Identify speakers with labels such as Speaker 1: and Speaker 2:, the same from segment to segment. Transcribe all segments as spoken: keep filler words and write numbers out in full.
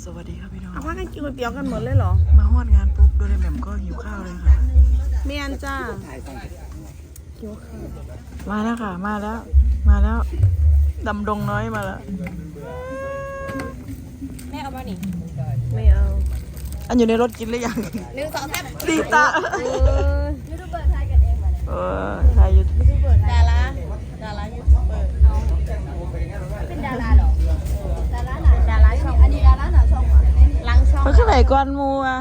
Speaker 1: สวัสดีครับพี่น้อง
Speaker 2: เอาพักกันกินก๋วยเตี๋ยวกันหมดเลยเหรอ
Speaker 1: มาฮอดงานปุ๊บโดนแหม่มก็หิวข้าวเลยค่ะ
Speaker 2: เมียนจ้าหิวข้าว
Speaker 1: มาแล้วค่ะมาแล้วมาแล้วดำดงน้อยมาแล้ว
Speaker 3: แม่เอามาหนิ
Speaker 2: ไม่เอา
Speaker 1: อันอยู่ในรถกินหรือยัง
Speaker 3: หนึ่งสองสาม
Speaker 1: ตีตา
Speaker 3: ยูทูบเบอร์ถ่ายกันเองมาเนี่ย
Speaker 1: เออถ่ายยูทูบ
Speaker 3: ยูทูบเบอร์ดาราดารายูทูบเบอร์เอาเป็นดาราเหรอดาราหนาดาราช่องอันนี้ดาราหนาช่องหลังช่อง
Speaker 1: มันขึ้นไหนก่อนมูอ่ะ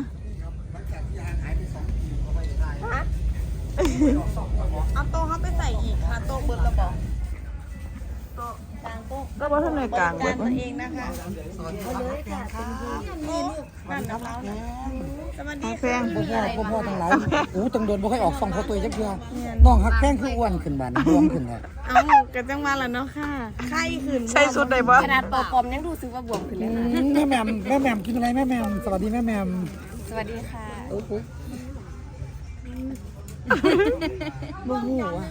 Speaker 2: เอาโต๊ะเขาไปใส่อีกค่ะโต๊ะเบิร์ดระบอก
Speaker 3: กลางโต๊ะ
Speaker 1: ก็ว่าท่านในกลางแบบ
Speaker 2: ตัวเองนะคะ
Speaker 3: เอาเลยค่ะเป็นที่
Speaker 2: นี่ลูกนั่นกับเราสวัสดี
Speaker 1: แพง
Speaker 4: พ่อพ่อพ่อทั้งหลายโอ้ตังโดนบ่ค่อยออกซองพ่อตัวจักเทื่อน้องฮักแพงคืออ้วนขึ้นบาดบวมขึ้นแล้ว
Speaker 2: เอากันจังมาแล้วเนาะค่ะไข้ขึ้น
Speaker 1: ใส่สุดได้บ่
Speaker 3: ขนาดปอปอมยังดูซื้อว่าบวมขึ้นเลยนะ
Speaker 4: แม่แหม่มแม่แหม่มกินอะไรแม่แหม่มสวัสดีแม่แหม่ม
Speaker 3: สวัสดีค่ะ
Speaker 4: โอ้โห
Speaker 2: บ่ฮู้อ่ะ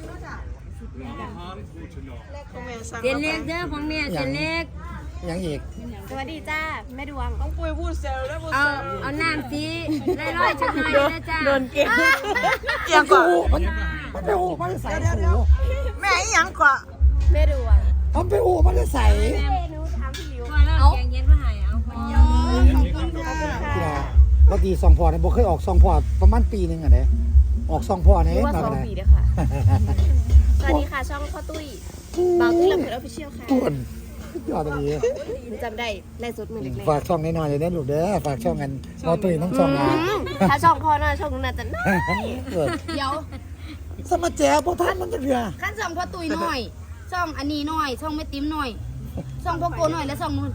Speaker 3: เจนเล็กเด้อของเนี่ยเจนเล็ก
Speaker 4: ยังอีก
Speaker 3: สวัสดีจ้าแม่ดวง
Speaker 2: ต้องปุ้ยพูดเซลแล้วพูด
Speaker 3: เอา
Speaker 2: เซล
Speaker 3: เอาน้ำสีไล่ร้อยจังหน่อยนะจ้า
Speaker 1: โดนเก็บเอียงกว่า
Speaker 4: มันมันไปโอ้มันใส่หู
Speaker 1: แม่อีหยังกว่า
Speaker 3: แม่ดวง
Speaker 4: มันไปโอ้มันใส่
Speaker 3: หนูถามพี่ลิวเอาแกงเย็นมาให้เอาไปยอ
Speaker 2: ขอบคุณค่ะ
Speaker 4: ที่ละปกติซองพ่อเนี่ยบ่เคยออกซองพ่อประมาณปีนึงอ่ะเด้ออกซองพ่อเนี่ย
Speaker 3: ว่า
Speaker 4: มา
Speaker 3: สอง
Speaker 4: ได้
Speaker 3: ปีเด้อค่ะสวัสดีค่ะช่องพ่อตุ้ยบางตุ้ยลำเพลินออฟฟิเชียลค่ะ
Speaker 4: อ้วนยอดดี
Speaker 3: จำได้ไล่สุดมือเล็ก
Speaker 4: ฝากช่องน้อยๆเลยนะลูกเด้อฝากช่องกันพอตื่นต้องช่องนะ
Speaker 3: ๆถ้าช่องพ่อน่าช่องนู้นน่าจะน่าเดี๋ยว
Speaker 4: สมาแจ๋บ่ทันมันจะเรือ
Speaker 3: ขั้นช่องพ่อตุ้ยหน่อยช่องอันนี้หน่อยช่องแม่ติ๋มหน่อยช่องพ่อโกหน่อยและช่องนู้น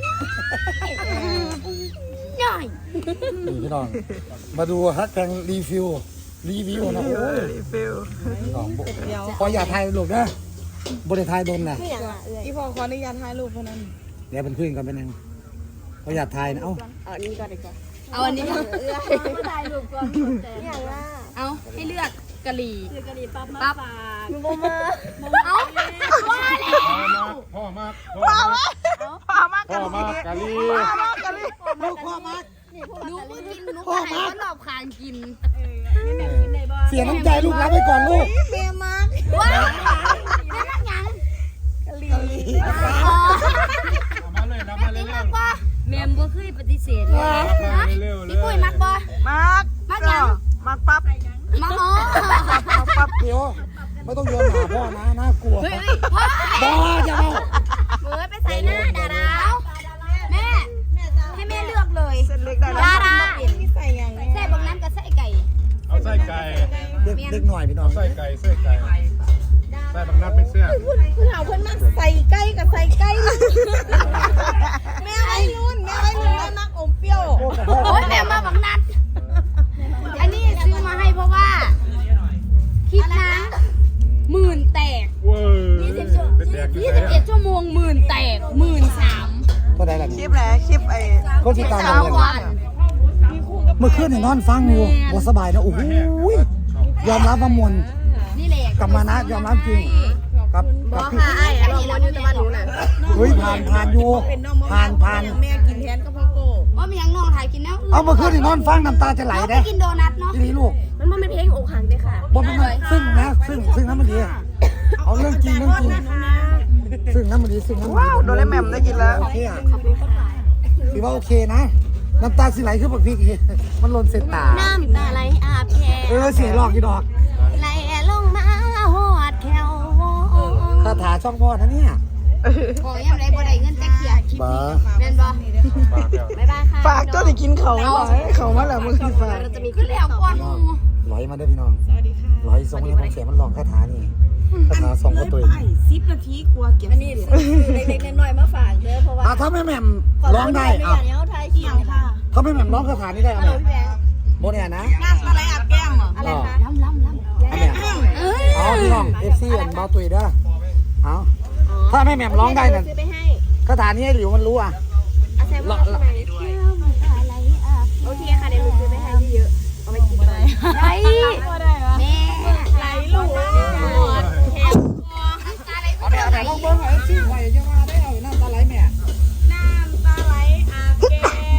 Speaker 3: หน่อย
Speaker 4: นี่พี่น้องมาดูฮักแพงรีวิวรีวิวนะโอ้ย
Speaker 1: รีฟิล
Speaker 4: พี่น้องพออย่าถ่ายลูกนะบริถ่ายโดนนะ
Speaker 3: ไม่อย่างละเอ้ย
Speaker 2: อีพ่อขออนุญาตถ่ายรูปเท่านั้น
Speaker 4: เดี๋ยวเป็นคุยกันเป็นยังพออย่าถ่ายนะเอ้า
Speaker 3: เอาอันนี้ก่อนดีกว่าเอาอันนี้ก่อนเอ้ยไม่ถ่ายรูปก่อนอย่างละเอาให้เลือกกะหรี่เลือกกะหรี่ปั๊บมาปั๊บมึงมาเอาว่าแล้ว
Speaker 5: พ่อมาก
Speaker 1: พ่อมากพ่อมาก
Speaker 5: พ่อมากกะลี
Speaker 1: พ่อมากกันเลย
Speaker 4: ลูกพ่อมาก
Speaker 3: หนูก็กินหนูก็ให้เขาหลอบคางกิน
Speaker 4: เสียน้ำใจลูกรับไปก่อนลูก
Speaker 2: เมียมาก
Speaker 3: ว้าวแม่รักยัง
Speaker 2: กะลี
Speaker 3: อ๋อ
Speaker 5: มาเลยนะมาเร็ว
Speaker 3: มักบ่แม่บ่เคยปฏิเสธเลย
Speaker 5: มาเร็ว
Speaker 3: พี่ปุ้ยมักบ่
Speaker 1: มากมากปั๊บ
Speaker 3: มักอ๋อ
Speaker 4: ปั๊บเดี๋ยวไม่ต้องโยนหาพ่อนะน่ากลัว
Speaker 3: เฮ้ยพ่อ
Speaker 4: บ้าจะเอา
Speaker 3: เฮ้ยไปใส่หน้าดาราแม่ให้แม่เลือกเลย
Speaker 1: เส้นเล็กได้แล้ว
Speaker 3: ดารา
Speaker 2: ที่ใส่อย่างนี้
Speaker 3: ใส่บางนั้นกับใส่ไก่
Speaker 5: ๆเอาไส้ไก่
Speaker 4: เด็กเด็กหน่อยพี่น้อง
Speaker 5: ไส้ไก่ไส้ไก่ไส้บางนัดเป็นเสื้อ
Speaker 2: คุณเอาเพิ่นมาใส่ใกล้กับใส่ใกล้แม่ไว้รุ่นแม่ไว้รุ่นแม่มักอมเปรี้ยว
Speaker 3: โอ้ยแม่มาบางนัดอันนี้ซื้อมาให้เพราะว่าคลิปนะหมื่นแตก
Speaker 5: เว้ยเป็นแดกอยู่
Speaker 3: ยี่
Speaker 5: ไหน
Speaker 3: สิบเอ็ดชั่วโมงหมื่นแตกหมื่นสาม
Speaker 4: ก็ได้ละ
Speaker 1: คลิปแหละคลิปไอ้
Speaker 4: ก็ที่ตาม
Speaker 3: สามวัน
Speaker 4: เมื่อคืนเนี่ยนอนฟังอยู่บ่สบายนะโอ้โหยอมรับว่ามวล
Speaker 3: นี่แหละ
Speaker 4: กลับมานะยอมรับจริงครับ
Speaker 3: บอค่ะไอ้อะลองวันอยู่ตะวันหนูน่ะ
Speaker 4: เฮ้ยผ่านผ่านอยู่
Speaker 2: เป็นน้องมะ
Speaker 4: ผ่านผ่าน
Speaker 2: แม่กินแทนกับพ่อโก้
Speaker 3: ว่ามียังน้องถ่ายกินแล้ว
Speaker 4: เอาเมื่อคืนนี่นอนฟังน้ำตาจะไหล
Speaker 3: เราไป
Speaker 4: เด้
Speaker 3: กินโดนัทเนาะ
Speaker 4: ทีนี้ลูก
Speaker 3: มันมันเป็นเพลงอกหักเลยค่ะ
Speaker 4: บนเป็นซึ่งนะซึ่งซึ่งน้ำมันดีเอาเรื่องจริงเรื่องจริงซึ่งน้ำมันดีซึ่งน้ำมันดี
Speaker 1: ว้าวโดนแหม่มได้กินแล้ว
Speaker 4: โอเคอ่ะ
Speaker 3: ขอบคุณค่ะ
Speaker 4: ถือว่าโอเคนะน้ำตาสิไหลขึ้นบักพริกอีกมันหล่นเส้นตา
Speaker 3: น้ำตาไหลอาบแก้
Speaker 4: เออเสียงหลอกกี่ดอก
Speaker 3: ไหลลงมาหอดแถว
Speaker 4: คาถาช่องพ่อนะเนี่ย
Speaker 3: ขอยังไรบ่ได้เงินแต่เขียคลิปนี้แม่นบ่บ๊ายบายค่ะ
Speaker 1: ฝากเจ้าได้กินเขาหน่อยเขามาแล้วมึงฝาก
Speaker 3: เราจะมีขึ้นแล้วก่อนหมู่
Speaker 4: ร้อยมาได้พี่น้องร้อยสองเนี่ยผมเสียมันหลอกคาถานี่คาถาสองก็ตัว
Speaker 2: ไอ้สิบนาทีกลัวเก็บนี่
Speaker 3: เล็กๆน้อยๆมาฝากเด้อเพราะว่า
Speaker 4: อ่ะถ้าแม่แหม่มร้องได้อ่ะ
Speaker 3: เดี๋ยวไทยเขียวค่ะ
Speaker 4: ถ้าแม่แหม่มร้องคาถานี้ได้เอาไหมโบเนี่ยนะ
Speaker 2: งานอะไรอาบแก้มเหรอ
Speaker 3: อะไรคะล้ำล้ำล้ำ
Speaker 4: อันเนี้ย
Speaker 3: เอ้ย
Speaker 4: เอาพี่น้องเอฟซีอันเบาตุยเด้อเอาถ้าแม่แหม่มร้องได้น่ะ
Speaker 3: ซื้อไปให้
Speaker 4: คาถานี้ให้หลิวมันรู้อ่ะ
Speaker 3: อาแซมว่าใช่ไหมโอเคค่ะเดี๋ยวหนูซื้อไปให้เยอะๆเอาไปกินไปได้ แม่ไหลลูกแถว
Speaker 4: เอาเนี่ยเอาเนี่ยลองเบิ้งเอาเอฟซีไว้อย่ามาได้เอาน้ำตาไหลแม่
Speaker 2: น้ำตาไหลอาบแก้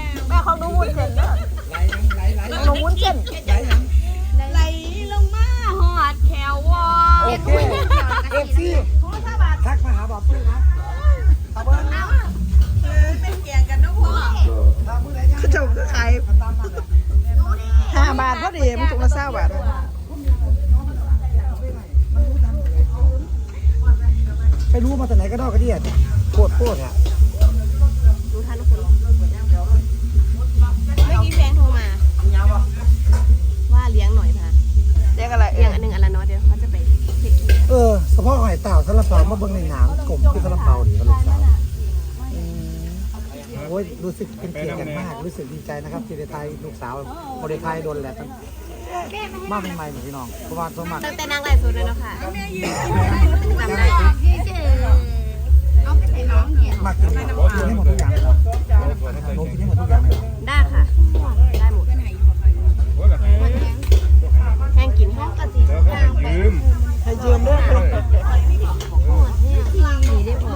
Speaker 4: โคตรโคตรเนี่ย
Speaker 2: รู้ทันทุกคนเมื่อกี้แฟนโทรมาว่าเลี้ยงหน่อยพะ
Speaker 1: เรียกอะไรเอ่
Speaker 2: เลี้ยง
Speaker 1: ย
Speaker 2: อันหนึ่งอันละเนาะเดี๋ยวเขาจะไปเทคนิค
Speaker 4: เออเฉพาะหอยเต่าซาลาเปามาเบิ่งในหนังกลมคือซาลาเปาดีกับลูกสาวโอ้ยรู้สึกเป็นเกียรติอย่างมากรู้สึกดีใจนะครับที่ได้ทายลูกสาวบริทายโดนแหละมากใหม่ๆเหมือนพี่น้องเพราะว่าสมัคร
Speaker 2: ตั้งแต่นางไล่สุดเลยเนาะค่ะจำได้
Speaker 3: เอาไปใส่น้องเนี่ย
Speaker 4: มากกินกินให้หมดทุกอย่างเลยโน้กินให้หมดทุกอย่างเลย
Speaker 2: ได้ค่ะได้หมด
Speaker 5: โอ้ยกับ
Speaker 2: แห้งกินแห้งกะทิ
Speaker 5: แล้วก็ให้ยืม
Speaker 1: ให้ยืมด้วย
Speaker 2: ที่ได้พอย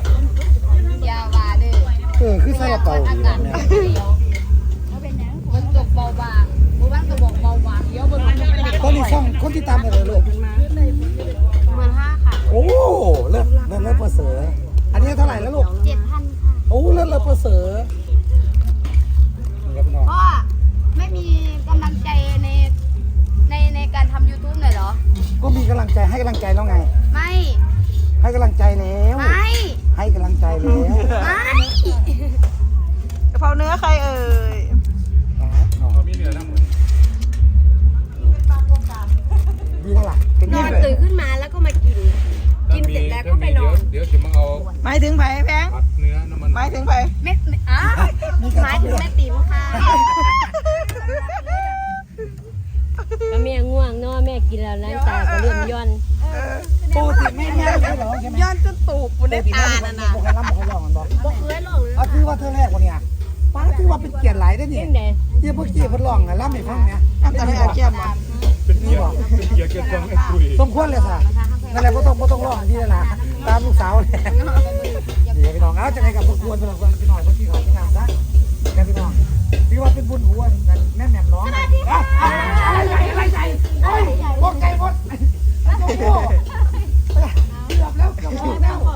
Speaker 3: าวาเด้อ
Speaker 4: เออคือซาลาเปาดีแบบเนี้ย
Speaker 3: เดียวมันตกเบาบางหมู่บ้านก็บอกเบาบางเดี๋ยวมันจะไป
Speaker 4: ตอนนี้ช่องคนที่ตามอะไรลูก
Speaker 2: หมื่นห้าค่ะ
Speaker 4: โอ้เลิศเลิศเลิศประเสริฐอันนี้เท่าไหร่แล้วลูก
Speaker 3: เจ็ดพันค่ะ
Speaker 4: โอ้เลิศเลิศประเสริฐนี่ครับพี่น้อง
Speaker 3: พ่อไม่มีกำลังใจในในในการทำ YouTube หน่อยเหรอ
Speaker 4: ก็มีกำลังใจให้กำลังใจแล้วไง
Speaker 3: ไม่
Speaker 4: ให้กำลังใจแล้ว
Speaker 3: ไม่
Speaker 4: ให้กำลังใจแล้ว
Speaker 3: ไม่
Speaker 1: กะเพราเนื้อใครเอ่ย
Speaker 5: เขามีเหนือน้ำมือ
Speaker 4: ดีแล้วล่ะเป็น
Speaker 2: น
Speaker 4: ยี่
Speaker 2: อน
Speaker 4: เลย
Speaker 2: ตื่นขึ้นมาแล้วก็มากิน กินเสร็จแล้วก็ไปนอน
Speaker 5: เดี๋ยวจะมาเอา
Speaker 1: หมายถึงไผ่แพง
Speaker 5: ผัดเนื้อน้ำมัน
Speaker 1: หมายถึงไผ่
Speaker 3: ไม่ไม่อ้าว
Speaker 2: หมายถึงแม่ติ๋มค่ะ
Speaker 6: ก็แม่ง่วงเนาะแม่กินแล้วน้ำตาก็เริ่มย่อน
Speaker 4: ปกติไม่ไม่ไม่หรอใช่ไหม
Speaker 1: ย้อนจนตูบปุ่น
Speaker 4: ป
Speaker 1: ได้
Speaker 4: กติ
Speaker 1: ตา
Speaker 4: ไม่
Speaker 1: น่ะ
Speaker 4: บอก
Speaker 1: นะ
Speaker 4: ใครรับบอกใครร้องกันบอก
Speaker 2: บอกเคยลงเลย
Speaker 4: อ่ะคือว่าเธอแรกวันเนี้ยป้าคือว่าเป็นเกียรติหลายได้นี่
Speaker 6: เล่นไหน
Speaker 4: เยี่ยพวกเกียรติพดร้องนะรับไม่ฟังเนี่ย
Speaker 1: น้ำตาไม่อาเกียมอ่ะ
Speaker 5: เป็นเกียร์เป็นเกียร์เกินฟังไม่คุย
Speaker 4: สมควรเลยค่ะนั่นแหละก็ต้องก็ต้องร้องที่นั่นแหละตามลูกสาวเลยเดี๋ยวพี่น้องเอาจะไงกับพวกควรเป็นคนพี่น้องพวกที่เขาที่งานซะแกพี่น้องพี่ว่าเป็นบุญหัวแม่แม่ร้องอะไรใหญ่อะไรใหญ่โอ้ยพวกไก่หมดเกือบแล้วเกือบแล้ว